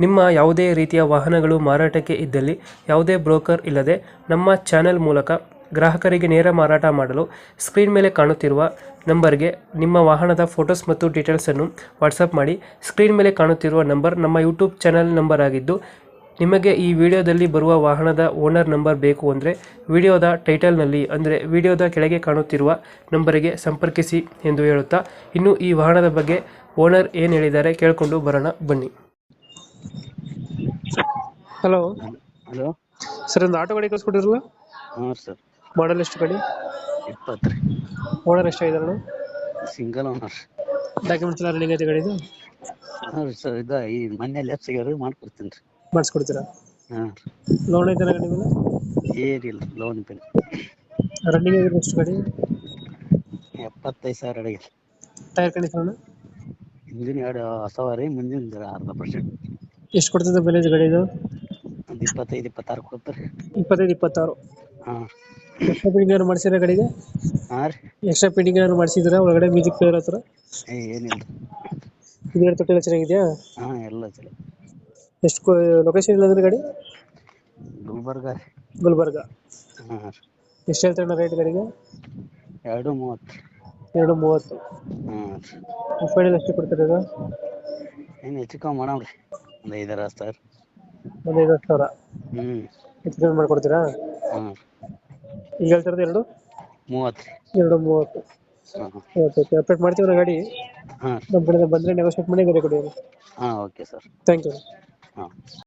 ನಿಮ್ಮ ಯಾವುದೇ ರೀತಿಯ ವಾಹನಗಳು ಮಾರಾಟಕ್ಕೆ ಇದ್ದಲ್ಲಿ ಯಾವುದೇ ಬ್ರೋಕರ್ ಇಲ್ಲದೆ ನಮ್ಮ ಚಾನೆಲ್ ಮೂಲಕ ಗ್ರಾಹಕರಿಗೆ ನೇರ ಮಾರಾಟ ಮಾಡಲು ಸ್ಕ್ರೀನ್ ಮೇಲೆ ಕಾಣುತ್ತಿರುವ ನಂಬರ್ಗೆ ನಿಮ್ಮ ವಾಹನದ ಫೋಟೋಸ್ ಮತ್ತು ಡೀಟೇಲ್ಸನ್ನು ವಾಟ್ಸಪ್ ಮಾಡಿ. ಸ್ಕ್ರೀನ್ ಮೇಲೆ ಕಾಣುತ್ತಿರುವ ನಂಬರ್ ನಮ್ಮ ಯೂಟ್ಯೂಬ್ ಚಾನೆಲ್ ನಂಬರ್ ಆಗಿದ್ದು, ನಿಮಗೆ ಈ ವಿಡಿಯೋದಲ್ಲಿ ಬರುವ ವಾಹನದ ಓನರ್ ನಂಬರ್ ಬೇಕು ಅಂದರೆ ವಿಡಿಯೋದ ಟೈಟಲ್ನಲ್ಲಿ ಅಂದರೆ ವಿಡಿಯೋದ ಕೆಳಗೆ ಕಾಣುತ್ತಿರುವ ನಂಬರಿಗೆ ಸಂಪರ್ಕಿಸಿ ಎಂದು ಹೇಳುತ್ತಾ, ಇನ್ನು ಈ ವಾಹನದ ಬಗ್ಗೆ ಓನರ್ ಏನು ಹೇಳಿದ್ದಾರೆ ಕೇಳಿಕೊಂಡು ಬರೋಣ ಬನ್ನಿ. ಹಲೋ ಹಲೋ ಸರ್, ಒಂದು ಆಟೋ ಗಾಡಿ ಕಳಿಸ್ಕೊಟ್ಟಿರಲ್ಲ, ಹಾಂ ಸರ್. ಮಾಡಲ್ ಎಷ್ಟು ಗಾಡಿ? 20 ರೀ. ಓನರ್ ಎಷ್ಟಾಗಿದ್ದಾರೆ? Single owner. ಡಾಕ್ಯುಮೆಂಟ್ಸ್ ಎಲ್ಲ ರನ್ನಿಂಗ್ ಐತೆ ಗಾಡಿದು? ಹಾಂ ರೀ ಸರ್. ಈ ಮೊನ್ನೆ ಲೆಫ್ಟ್ ಸಿಗೋರು ಮಾಡ್ಕೊಡ್ತೀನಿ ರೀ. ಮಾಡಿಸ್ಕೊಡ್ತೀರಾ? ಹಾಂ ಲೋನ್ ಐತೆ ಗಾಡಿ ಮೇಲೆ? ರೀ. ಏನಿಲ್ಲ, ಲೋನ್ ಇಲ್ಲ. ರನ್ನಿಂಗ್ ಆಗಿದೆ ಎಷ್ಟು ಗಾಡಿ? 75,000 ಅಡಿಗೆ. ಟೈರ್ ಕಂಡೀಷನ್ ಹಿಂದಿನ 2 ಹೊಸವ ರೀ, ಮುಂದಿನ 0.5%. ಎಷ್ಟು ಕೊಡ್ತದೆ ಮೈಲೇಜ್ ಗಾಡಿದು? ಒಂದು 25-26 ಕೊಡ್ತಾರೆ. 25-26. ಹಾಂ ಎಕ್ಸ್ಟ್ರಾ ಫಿಟ್ಟಿಂಗ್ ಏನಾದ್ರು ಮಾಡಿಸಿದ್ರೆ ಗಾಡಿಗೆ? ಹಾಂ ರೀ. ಎಕ್ಸ್ಟ್ರಾ ಫಿಟ್ಟಿಂಗ್ ಏನಾದ್ರು ಮಾಡಿಸಿದ್ರೆ ಒಳಗಡೆ ಮ್ಯೂಸಿಕ್ ಪ್ಲೇಯರ್ ಹತ್ರ? ಏನಿಲ್ಲ. ಇದು ತೊಟ್ಟಿಲ್ಲ ಚೆನ್ನಾಗಿದೆಯಾ? ಹಾಂ, ಎಲ್ಲ ಚಲೋ. ಎಷ್ಟು ಲೊಕೇಶನ್ ಇಲ್ಲಂದ್ರೆ ಗಾಡಿ? ಗುಲ್ಬರ್ಗ ರೀ. ಗುಲ್ಬರ್ಗ. ಹಾಂ ರೀ. ಎಷ್ಟು ಹೇಳ್ತಾರೆ ರೇಟ್ ಗಾಡಿಗೆ? 2.30. 2.30. ಹಾಂ ರೀ. ಫೈನಲ್ ಎಷ್ಟು ಕೊಡ್ತಾರೆ ಇದು? ಏನು ಹೆಚ್ಚು ಕಮ್ಮಿ ಮಾಡಮ್ರಿ, ಒಂದು 5-6 ಸಾವಿರ. ಒಂದು 50,000 ಹೆಚ್ಚು ಕಮ್ಮಿ ಮಾಡ್ಕೊಡ್ತೀರಾ? ಹಾಂ. ಈಗ ಹೇಳ್ತಿರೋದು 2.30 ರೀ. 2.30. ಹಾಂ ಓಕೆ ಓಕೆ, ಅಪ್ಡೇಟ್ ಮಾಡ್ತೀವಿ ಗಾಡಿ. ಹಾಂ ನಮ್ಮ ಕಡೆಯಿಂದ ಬಂದರೆ ನೆಗೋಷಿಯೇಟ್ ಮಾಡಿ ಗಾಡಿ ಕೊಡಿ. ಹಾಂ, ಓಕೆ ಸರ್. Thank you. ಹಾಂ.